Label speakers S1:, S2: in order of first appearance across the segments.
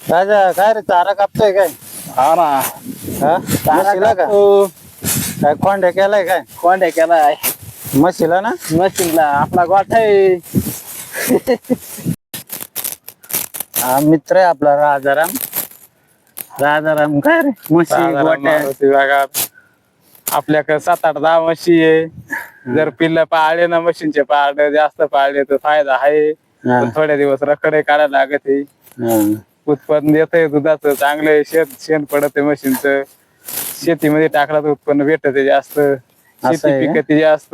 S1: राजा काय रे चारा कापतोय काय?
S2: हा ना.
S1: हा म्हशीला का काय खोंड्या केलाय काय?
S2: कोंड्या केलाय
S1: म्हशीला ना
S2: मशीनला आपला गोठा आहे.
S1: हा मित्र आहे आपला राजाराम. राजाराम काय रे म्हशी गोट्या
S2: आपल्याकडे 7-8 10 म्हशी आहे. जर पिल्ल पाळले ना म्हशींचे पाळले जास्त पाळले तर फायदा आहे.
S1: हा.
S2: पण थोड्या दिवस रखडे काढायला लागत आहे.
S1: हा.
S2: उत्पन्न येतंय दुधाचं चांगलं शेण पडत म्हशींचं. शेतीमध्ये टाकला तर उत्पन्न भेटत जास्त. शेती
S1: आहे का?
S2: पिकते जास्त.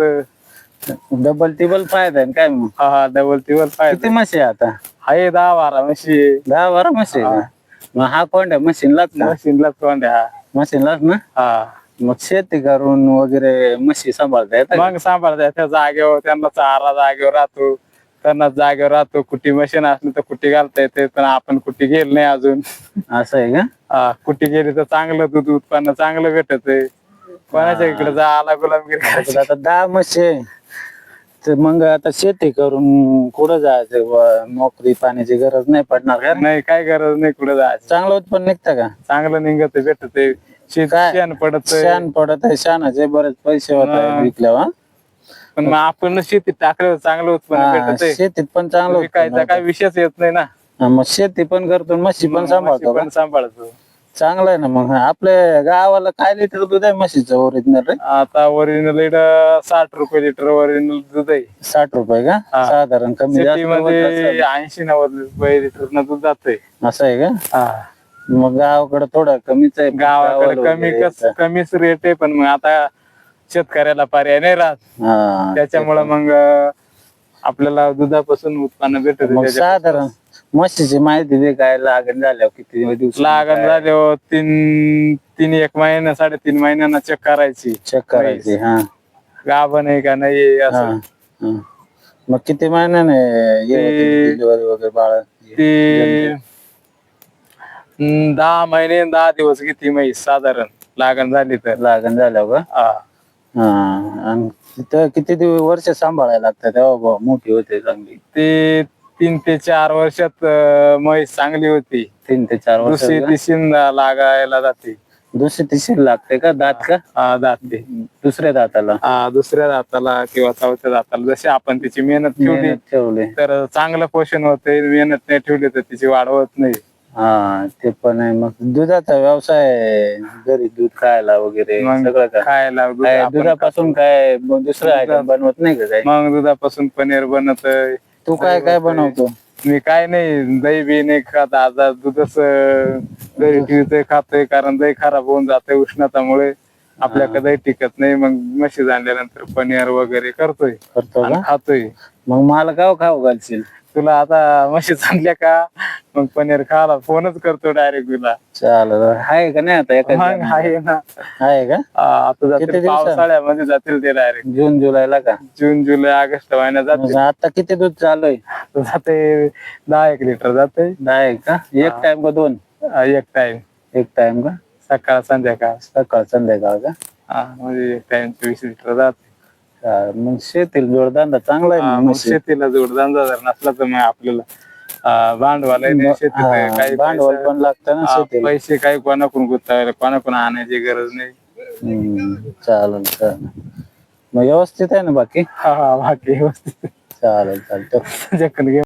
S1: डबल टिबल फायदा आहे ना काय मग?
S2: हा डबल टिबल
S1: किती
S2: फायदा
S1: म्हशी आहे आता?
S2: आहे 10-12 म्हशी आहे.
S1: 10-12 म्हशी आहे का? मग हा कोंड्या मशीनलाच ना?
S2: म्हशींला कोंड्या.
S1: मशीनलाच ना?
S2: हा
S1: मग शेती करून वगैरे म्हशी सांभाळता येतात का?
S2: मग सांभाळता त्या जागेवर त्यांना चारा जागेवर राहतो. त्यांना जागेवर राहतो. कुट्टी मशीन असली तर कुट्टी घालता येते पण आपण कुट्टी गेली नाही अजून.
S1: असं आहे का?
S2: कुट्टी गेली तर चांगलं दूध उत्पन्न चांगलं भेटत आहे. कोणाच्या इकडे जायला गुलामगिरी करायची.
S1: आता 10 म्हशी आहे. तर मग आता शेती करून कुठं जायचं बुवा? नोकरी पाण्याची गरज नाही पडणार का?
S2: नाही काय गरज नाही कुठे जायचं.
S1: चांगलं उत्पन्न निघतं का?
S2: चांगलं निघत भेटत शेण पडत.
S1: शान पडत आहे. शानाचे बरेच पैसे होत आहेत विकल्यावर.
S2: पण मग आपण शेतीत टाकल्यावर चांगलं उत्पन्न भेटत
S1: शेतीत पण चांगलं
S2: विकायचा काही विषयच येत नाही ना.
S1: मग शेती पण करतो म्हशी पण सांभाळतो का?
S2: पण सांभाळतो.
S1: चांगलं आहे ना. मग आपल्या गावाला काय लिटर दूध आहे म्हशीचं ओरिजिनल रे?
S2: आता ओरिजिनल 60 रुपये लिटर ओरिजिनल दूध आहे.
S1: 60 रुपये का?
S2: हा.
S1: साधारण कमी जास्त होत
S2: मध्ये
S1: असेल.
S2: 80-90 रुपये लिटर न दूध जातंय.
S1: असं आहे का?
S2: हा
S1: मग गावाकडे थोडं कमीच आहे.
S2: गावाकडे
S1: गावाला वगैरे
S2: कमीच रेट आहे पण मग आता शेतकऱ्याला पर्याय नाही राहत.
S1: हा,
S2: त्याच्यामुळे मग आपल्याला दुधापासून उत्पन्न भेटत.
S1: मग साधारण म्हशीची माहिती दे काय लागण झाल्यावर किती दिवस
S2: लागण झाल्यावर 1 महिना 3.5 महिन्यांना चेक करायची.
S1: चेक करायची. हा
S2: गाभण आहे का नाही
S1: हा,
S2: असं.
S1: हा. मग किती महिन्याने डिलिव्हरी वगैरे बाळ?
S2: ती 10 महिने 10 दिवस किती म्हैस साधारण लागण झाली तर.
S1: लागण झाल्यावर का?
S2: हा.
S1: हा. आणि तिथं किती दिवस वर्ष सांभाळायला लागतात तेव्हा मोठी होते चांगली?
S2: ते 3 ते 4 वर्षात म्हैस चांगली होती.
S1: 3 ते 4 वर्ष.
S2: दुसरी तिसरी लागायला जाते.
S1: दुसरी तिसरी लागते का? दात का?
S2: दात ते
S1: दुसऱ्या दाताला?
S2: दुसऱ्या दाताला किंवा चौथ्या दाताला जशी आपण तिची मेहनत
S1: ठेवली
S2: तर चांगलं पोषण होते. मेहनत नाही ठेवली तर तिची वाढ होत नाही.
S1: हा ते पण आहे. मग दुधाचा व्यवसाय घरी दूध खायला वगैरे सगळं का?
S2: खायला
S1: दुधापासून काय दुसरं आयटम बनवत नाही का? काय
S2: मग दुधापासून पनीर बनत.
S1: तू काय काय बनवतो?
S2: मी काय नाही दही बी नाही खात. आता दूधच घरी ठेवतोय खातोय कारण दही खराब होऊन जाते उष्णतामुळे. आपल्याकडे दही टिकत नाही. मग म्हशी आणल्यानंतर पनीर वगैरे करतोय आणि खातोय.
S1: मग मला खाऊ घालशील?
S2: तुला आता म्हशी आणल्या का मग पनीर खायला फोनच करतो डायरेक्ट तुला.
S1: चालेल. आहे का नाही आता?
S2: आहे ना.
S1: आहे का?
S2: आता जातील पावसाळ्यामध्ये जातील ते डायरेक्ट
S1: जून जुलैला का?
S2: जून जुलै ऑगस्ट महिन्यात जाते.
S1: आता किती दूध चालू आहे?
S2: जाते 10-1 लिटर जाते.
S1: 10 का? एक टाइम का 2?
S2: एक टाइम.
S1: एक टाइम का?
S2: सकाळ संध्याकाळ.
S1: सकाळ संध्याकाळ का?
S2: म्हणजे एक टाइम 20 लिटर जाते.
S1: मग शेतीला जोडधंदा चांगला आहे.
S2: मग शेतीला जोडधंदा जर नसला तर मग आपल्याला भांडवल काही
S1: भांडवल पण लागतं ना शेतीला.
S2: पैसे काही कोणाकडून गुंतवायला कोणाकडून आणायची गरज नाही.
S1: चालेल चालेल. मग व्यवस्थित आहे ना बाकी?
S2: हा बाकी व्यवस्थित.
S1: चालेल चालेल.
S2: घे